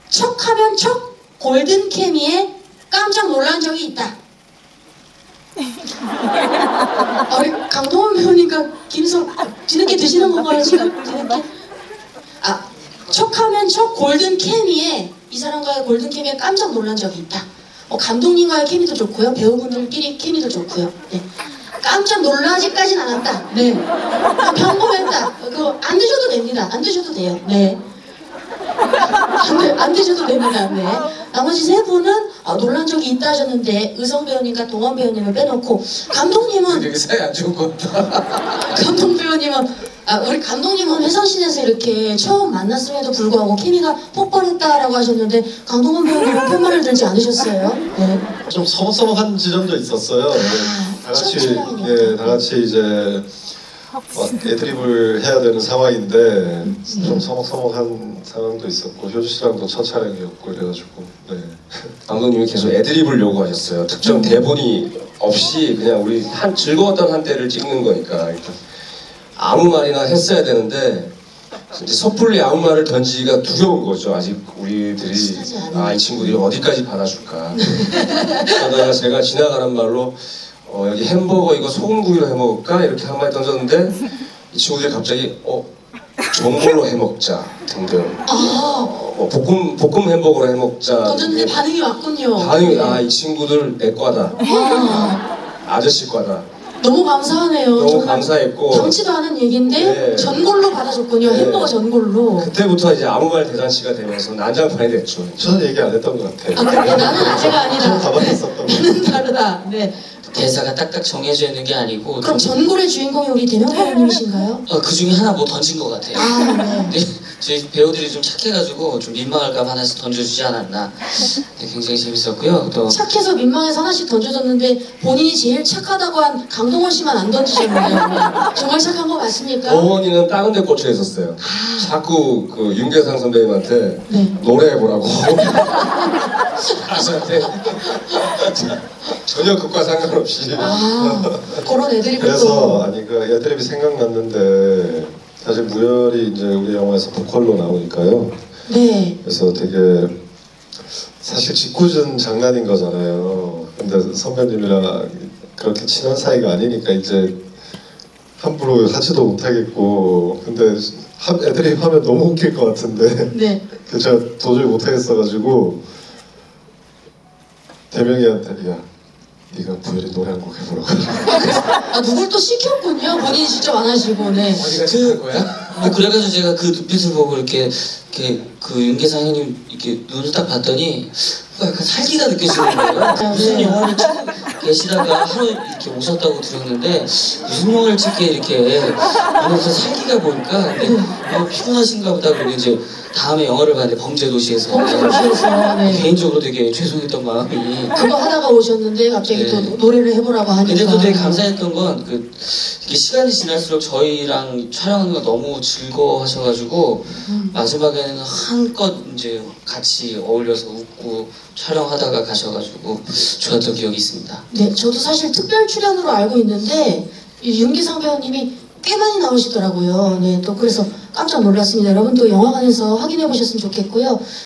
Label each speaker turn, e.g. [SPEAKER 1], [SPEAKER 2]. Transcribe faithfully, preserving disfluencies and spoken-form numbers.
[SPEAKER 1] 척하면 척 골든 케미에 깜짝 놀란 적이 있다. 아, 우리 강동원 배우니까 김성 뒤늦게 드시는 건가요 지금? 뒤늦게? 아, 척하면 척 골든 케미에 이 사람과의 골든 케미에 깜짝 놀란 적이 있다. 어, 감독님과의 케미도 좋고요, 배우분들끼리 케미도 좋고요. 네. 깜짝 놀라지까진 않았다. 네. 평범했다. 그거 안 드셔도 됩니다. 안 드셔도 돼요. 네. 안, 드, 안 드셔도 됩니다. 네. 나머지 세 분은 아, 놀란 적이 있다 하셨는데 의성 배우님과 동원 배우님을 빼놓고 감독님은
[SPEAKER 2] 되게 사이 안 좋은 것 같다.
[SPEAKER 1] 감독 배우님은 아, 우리 감독님은 회성신에서 이렇게 처음 만났음에도 불구하고 케미가 폭발했다라고 하셨는데 강동원 배우님은 팻말을 들지 않으셨어요? 네.
[SPEAKER 3] 좀 서먹서먹한 지점도 있었어요. 네.
[SPEAKER 1] 아,
[SPEAKER 3] 다 같이
[SPEAKER 1] 첫 촬영이니까.
[SPEAKER 3] 예, 다 같이 이제 막 애드립을 해야 되는 상황인데 좀 서먹서먹한 상황도 있었고 효주 씨랑도 첫 촬영이었고 그래가지고 네.
[SPEAKER 2] 감독님이 계속 애드립을 요구하셨어요. 특정 대본이 없이 그냥 우리 한 즐거웠던 한때를 찍는 거니까 일단 아무 말이나 했어야 되는데 이제 섣불리 아무 말을 던지기가 두려운 거죠. 아직 우리들이 아, 이 친구들이 어디까지 받아줄까. 그러다가 제가 지나가는 말로 어, 여기 햄버거 이거 소금구이로 해먹을까? 이렇게 한 마디 던졌는데 이 친구들이 갑자기 어 전골로 해먹자 등등
[SPEAKER 1] 아,
[SPEAKER 2] 어, 뭐 볶음 볶음 햄버거로 해먹자.
[SPEAKER 1] 던졌는데 반응이 왔군요.
[SPEAKER 2] 반응이 아 이 친구들 내 과다.
[SPEAKER 1] 아,
[SPEAKER 2] 아저씨 과다.
[SPEAKER 1] 너무 감사하네요.
[SPEAKER 2] 너무
[SPEAKER 1] 정말
[SPEAKER 2] 감사했고
[SPEAKER 1] 당치도 않은 얘기인데
[SPEAKER 2] 네.
[SPEAKER 1] 전골로 받아줬군요.
[SPEAKER 2] 네.
[SPEAKER 1] 햄버거 전골로.
[SPEAKER 2] 그때부터 이제 아무 말 대잔치가 되면서 난장판이 됐죠.
[SPEAKER 3] 저는 얘기 안 했던 것 같아요.
[SPEAKER 1] 아, 그래? 나는 아재가
[SPEAKER 3] 좀
[SPEAKER 1] 아니다.
[SPEAKER 3] 가만했었던 것 같아요.
[SPEAKER 1] 나는 다르다. 네.
[SPEAKER 4] 대사가 딱딱 정해져 있는 게 아니고
[SPEAKER 1] 그럼 전골의 주인공이 우리 대명 배우님이신가요?
[SPEAKER 4] 어, 그 중에 하나 뭐 던진 것 같아요.
[SPEAKER 1] 아, 네.
[SPEAKER 4] 근데 저희 배우들이 좀 착해가지고 좀 민망할까 봐 하나씩 던져주지 않았나. 네, 굉장히 재밌었고요. 또
[SPEAKER 1] 착해서 민망해서 하나씩 던져줬는데 본인이 제일 착하다고 한 강동원 씨만 안 던지셨네요. 정말 착한 거 맞습니까?
[SPEAKER 2] 어머니는 다른 데 꽂혀 있었어요. 자꾸 그 윤계상 선배님한테
[SPEAKER 1] 네.
[SPEAKER 2] 노래해보라고 가수한테 전혀 그과 상관없이
[SPEAKER 1] 아, 그런 애들이
[SPEAKER 3] 그래서
[SPEAKER 1] 또.
[SPEAKER 3] 아니 그 애드립이 생각났는데 사실 무열이 이제 우리 영화에서 보컬로 나오니까요.
[SPEAKER 1] 네.
[SPEAKER 3] 그래서 되게 사실 짓궂은 장난인 거잖아요. 근데 선배님이랑 그렇게 친한 사이가 아니니까 이제 함부로 하지도 못하겠고 근데 하- 애드립 하면 너무 웃길 것 같은데
[SPEAKER 1] 네.
[SPEAKER 3] 그래서 제가 도저히 못하겠어가지고 대명이한테 야 네가 부열이 노래 한 곡 해보라고
[SPEAKER 1] 아, 누굴 또 시켰군요. 본인이 직접 안 하시고. 네.
[SPEAKER 2] 어디가 착한 거야?
[SPEAKER 4] 뭐 그래가지고 제가 그 눈빛을 보고 이렇게, 이렇게 그 윤계상 형님 이렇게 눈을 딱 봤더니 뭔가 약간 살기가 느껴지는 거예요. 무슨
[SPEAKER 1] 네.
[SPEAKER 4] 영화를 찍고 계시다가 하루 이렇게 오셨다고 들었는데 무슨 영화를 찍게 이렇게 눈에서 살기가 보니까 근데 뭐 피곤하신가 보다. 그리고 이제 다음에 영화를 봤는데 범죄도시에서
[SPEAKER 1] 범죄도시에서, 네.
[SPEAKER 4] 개인적으로 되게 죄송했던 마음이.
[SPEAKER 1] 그거 하다가 오셨는데 갑자기
[SPEAKER 4] 네.
[SPEAKER 1] 또 노래를 해보라고 하니까.
[SPEAKER 4] 근데 또 되게 감사했던 건 그 이게 시간이 지날수록 저희랑 촬영하는 거 너무 즐거워하셔가지고
[SPEAKER 1] 음.
[SPEAKER 4] 마지막에는 한껏 이제 같이 어울려서 웃고 촬영하다가 가셔가지고 좋았던 기억이 있습니다.
[SPEAKER 1] 네, 저도 사실 특별 출연으로 알고 있는데 이 윤기상 배우님이 꽤 많이 나오시더라고요. 네, 또 그래서 깜짝 놀랐습니다. 여러분 또 영화관에서 확인해 보셨으면 좋겠고요.